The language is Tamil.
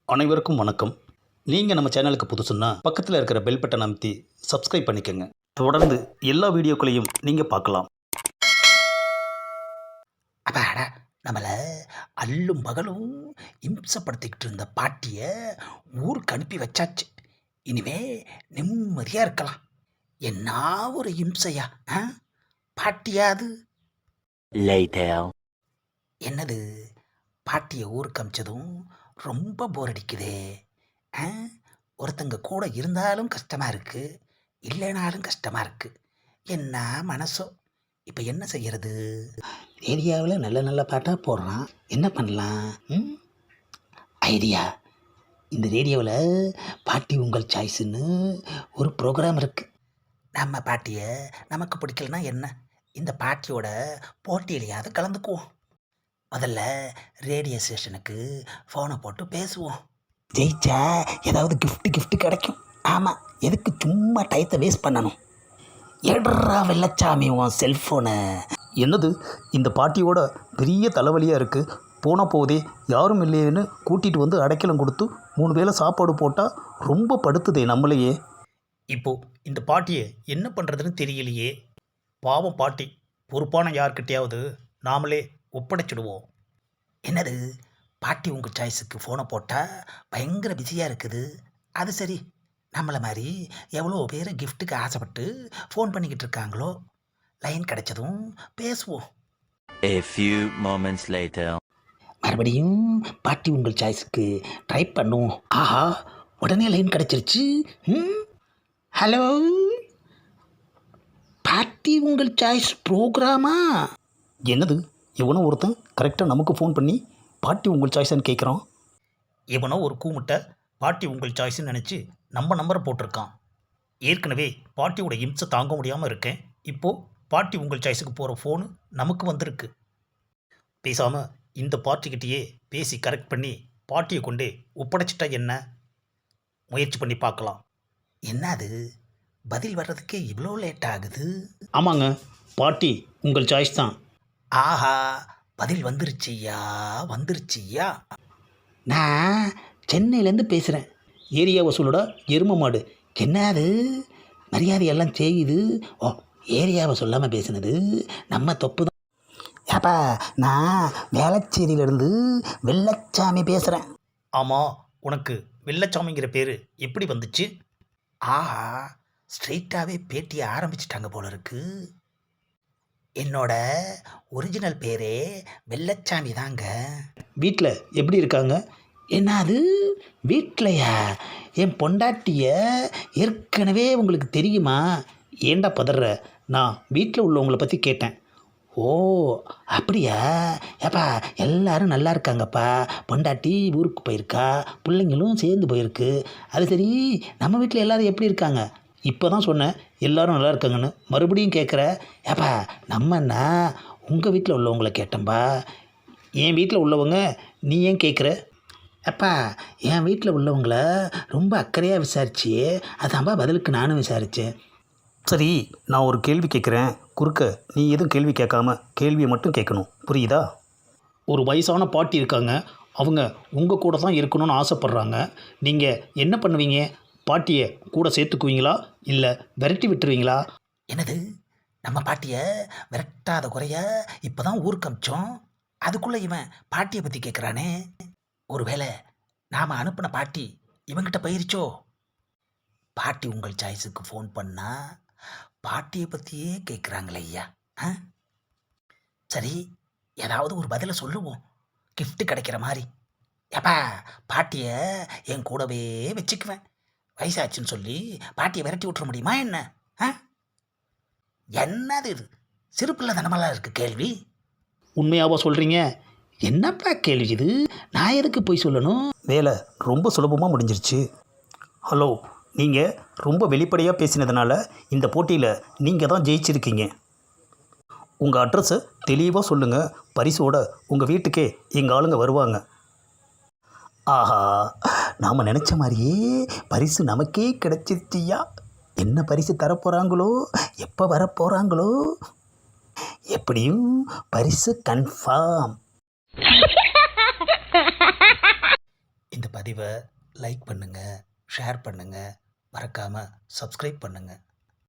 அனைவருக்கும் வணக்கம். நீங்கள் நம்ம சேனலுக்கு புதுசுன்னா பக்கத்தில் இருக்கிற பெல் பட்டனை அமைத்தி சப்ஸ்கிரைப் பண்ணிக்கோங்க. தொடர்ந்து எல்லா வீடியோக்களையும் நீங்கள் பார்க்கலாம். அப்பாடா, நம்மளை அல்லும் பகலும் இம்சப்படுத்திக்கிட்டு இருந்த பாட்டியை ஊருக்கு அனுப்பி வச்சாச்சு. இனிமே நிம்மதியாக இருக்கலாம். என்ன ஒரு இம்சையா பாட்டியா அது? என்னது, பாட்டியை ஊருக்கு அமிச்சதும் ரொம்ப போர் அடிக்குதே. ஆ ஒருத்தங்க கூட இருந்தாலும் கஷ்டமாக இருக்குது, இல்லைனாலும் கஷ்டமாக இருக்குது. என்ன மனசோ. இப்போ என்ன செய்யறது? ஏரியாவில் நல்ல நல்ல பாட்டாக போடுறான், என்ன பண்ணலாம்? ஐடியா, இந்த ரேடியோவில் பாட்டி உங்கள் சாய்ஸுன்னு ஒரு ப்ரோக்ராம் இருக்குது. நம்ம பாட்டியை நமக்கு பிடிக்கலனா என்ன, இந்த பாட்டியோட போட்டியிலையாவது கலந்துக்குவோம். முதல்ல ரேடியோ ஸ்டேஷனுக்கு ஃபோனை போட்டு பேசுவோம். ஜெயிச்சா ஏதாவது கிஃப்ட்டு கிடைக்கும். ஆமாம், எதுக்கு சும்மா டயத்தை வேஸ்ட் பண்ணணும்? எடுறா வெள்ளச்சாமி உன் செல்ஃபோனை. என்னது, இந்த பாட்டியோட பெரிய தலைவலியாக இருக்குது. போனால் போதே யாரும் இல்லையேன்னு கூட்டிகிட்டு வந்து அடைக்கலம் கொடுத்து 3 வேளை சாப்பாடு போட்டால் ரொம்ப படுத்துதே நம்மளையே. இப்போது இந்த பாட்டியை என்ன பண்ணுறதுன்னு தெரியலையே. பாவம் பாட்டி, பொறுப்பான யார்கிட்டையாவது நாமளே ஒப்படைச்சிடுவோம். என்னது, பாட்டி உங்கள் சாய்ஸுக்கு ஃபோனை போட்டால் பயங்கர பிஸியாக இருக்குது. அது சரி, நம்மளை மாதிரி எவ்வளோ பேர் கிஃப்ட்டுக்கு ஆசைப்பட்டு ஃபோன் பண்ணிக்கிட்டு இருக்காங்களோ. லைன் கிடைச்சதும் பேசுவோம். A few moments later. மறுபடியும் பாட்டி உங்கள் சாய்ஸுக்கு ட்ரை பண்ணுவோம். ஆஹா, உடனே லைன் கிடைச்சிருச்சு. ஹலோ, பாட்டி உங்கள் சாய்ஸ் ப்ரோக்ராமா? என்னது, இவனோ ஒருத்தன் கரெக்டாக நமக்கு ஃபோன் பண்ணி பாட்டி உங்கள் சாய்ஸ்ன்னு கேட்குறான். இவனோ ஒரு கூமுட்டை பாட்டி உங்கள் சாய்ஸ்ன்னு நினச்சி நம்ம நம்பரை போட்டிருக்கான். ஏற்கனவே பாட்டியோட இம்சை தாங்க முடியாமல் இருக்கேன். இப்போது பாட்டி உங்கள் சாய்ஸுக்கு போகிற ஃபோனு நமக்கு வந்திருக்கு. பேசாமல் இந்த பாட்டிக்கிட்டேயே பேசி கரெக்ட் பண்ணி பாட்டியை கொண்டே ஒப்படைச்சிட்டா என்ன? முயற்சி பண்ணி பார்க்கலாம். என்ன அது, பதில் வர்றதுக்கே இவ்வளோ லேட் ஆகுது? ஆமாங்க, பாட்டி உங்கள் சாய்ஸ் தான். ஆஹா, பதில் வந்துருச்சியா. நான் சென்னையிலேருந்து பேசுகிறேன். ஏரியா வசூலோட எரும மாடு. என்ன அது, மரியாதையெல்லாம் செய்யுது. ஓ, ஏரியாவை சொல்லாமல் பேசுனது நம்ம தப்பு தான். ஏப்பா, நான் வேளச்சேரியிலேருந்து வெள்ளச்சாமி பேசுகிறேன். ஆமாம், உனக்கு வெள்ளச்சாமிங்கிற பேர் எப்படி வந்துச்சு? ஆஹா, ஸ்ட்ரெயிட்டாகவே பேட்டியை ஆரம்பிச்சிட்டாங்க போல இருக்கு. என்னோட ஒரிஜினல் பேரே வெள்ளச்சாமி தாங்க. வீட்டில் எப்படி இருக்காங்க? என்னது, வீட்டிலையா? என் பொண்டாட்டிய ஏற்கனவே உங்களுக்கு தெரியுமா? ஏண்டா பதற? நான் வீட்டில் உள்ளவங்களை பற்றி கேட்டேன். ஓ, அப்படியா? ஏப்பா, எல்லாரும் நல்லா இருக்காங்கப்பா. பொண்டாட்டி ஊருக்கு போயிருக்கா, பிள்ளைங்களும் சேர்ந்து போயிருக்கு. அது சரி, நம்ம வீட்டில் எல்லோரும் எப்படி இருக்காங்க? இப்போ தான் சொன்னேன் எல்லாரும் நல்லா இருக்காங்கன்னு, மறுபடியும் கேட்குற. ஏப்பா, நம்மன்னா உங்கள் வீட்டில் உள்ளவங்கள கேட்டேன்பா. என் வீட்டில் உள்ளவங்க நீ ஏன் கேட்குற? அப்பா, என் வீட்டில் உள்ளவங்கள ரொம்ப அக்கறையாக விசாரிச்சியே, அதான்பா பதிலுக்கு நானும் விசாரித்தேன். சரி, நான் ஒரு கேள்வி கேட்குறேன், குறுக்க நீ எதுவும் கேள்வி கேட்காம கேள்வியை மட்டும் கேட்கணும், புரியுதா? ஒரு வயசான பாட்டி இருக்காங்க, அவங்க உங்கள் கூட தான் இருக்கணும்னு ஆசைப்பட்றாங்க. நீங்கள் என்ன பண்ணுவீங்க? பாட்டியை கூட சேர்த்துக்குவீங்களா, இல்லை விரட்டி விட்டுருவீங்களா? என்னது, நம்ம பாட்டியை விரட்டாத குறைய இப்போ தான் ஊருக்கு அமிச்சோம், அதுக்குள்ளே இவன் பாட்டியை பற்றி கேட்குறானே. ஒருவேளை நாம் அனுப்பின பாட்டி இவங்கிட்ட போயிருச்சோ? பாட்டி உங்கள் சாய்ஸுக்கு ஃபோன் பண்ணால் பாட்டியை பற்றியே கேட்குறாங்களே ஐயா. சரி, ஏதாவது ஒரு பதிலை சொல்லுவோம், கிஃப்ட்டு கிடைக்கிற மாதிரி. ஏப்பா, பாட்டியை என் கூடவே வச்சுக்குவேன். வயசாச்சுன்னு சொல்லி பாட்டியை விரட்டி விட்டுற முடியுமா என்ன? என்னது இது, சிறுப்பிள்ளை தனமெல்லாம் இருக்குது கேள்வி. உண்மையாவா சொல்கிறீங்க? என்னப்பா கேள்வி இது? நான் எதுக்கு போய் சொல்லணும்? வேலை ரொம்ப சுலபமாக முடிஞ்சிருச்சு. ஹலோ, நீங்கள் ரொம்ப வெளிப்படையாக பேசினதுனால இந்த போட்டியில் நீங்கள் தான் ஜெயிச்சிருக்கீங்க. உங்கள் அட்ரஸை தெளிவாக சொல்லுங்கள், பரிசோட உங்கள் வீட்டுக்கே எங்கள் ஆளுங்க வருவாங்க. ஆஹா, நாம் நினச்ச மாதிரியே பரிசு நமக்கே கிடைச்சிருச்சியா. என்ன பரிசு தரப்போகிறாங்களோ, எப்போ வரப்போகிறாங்களோ, எப்படியும் பரிசு கன்ஃபார்ம். இந்த பதிவை லைக் பண்ணுங்கள், ஷேர் பண்ணுங்கள், மறக்காமல் சப்ஸ்கிரைப் பண்ணுங்கள்.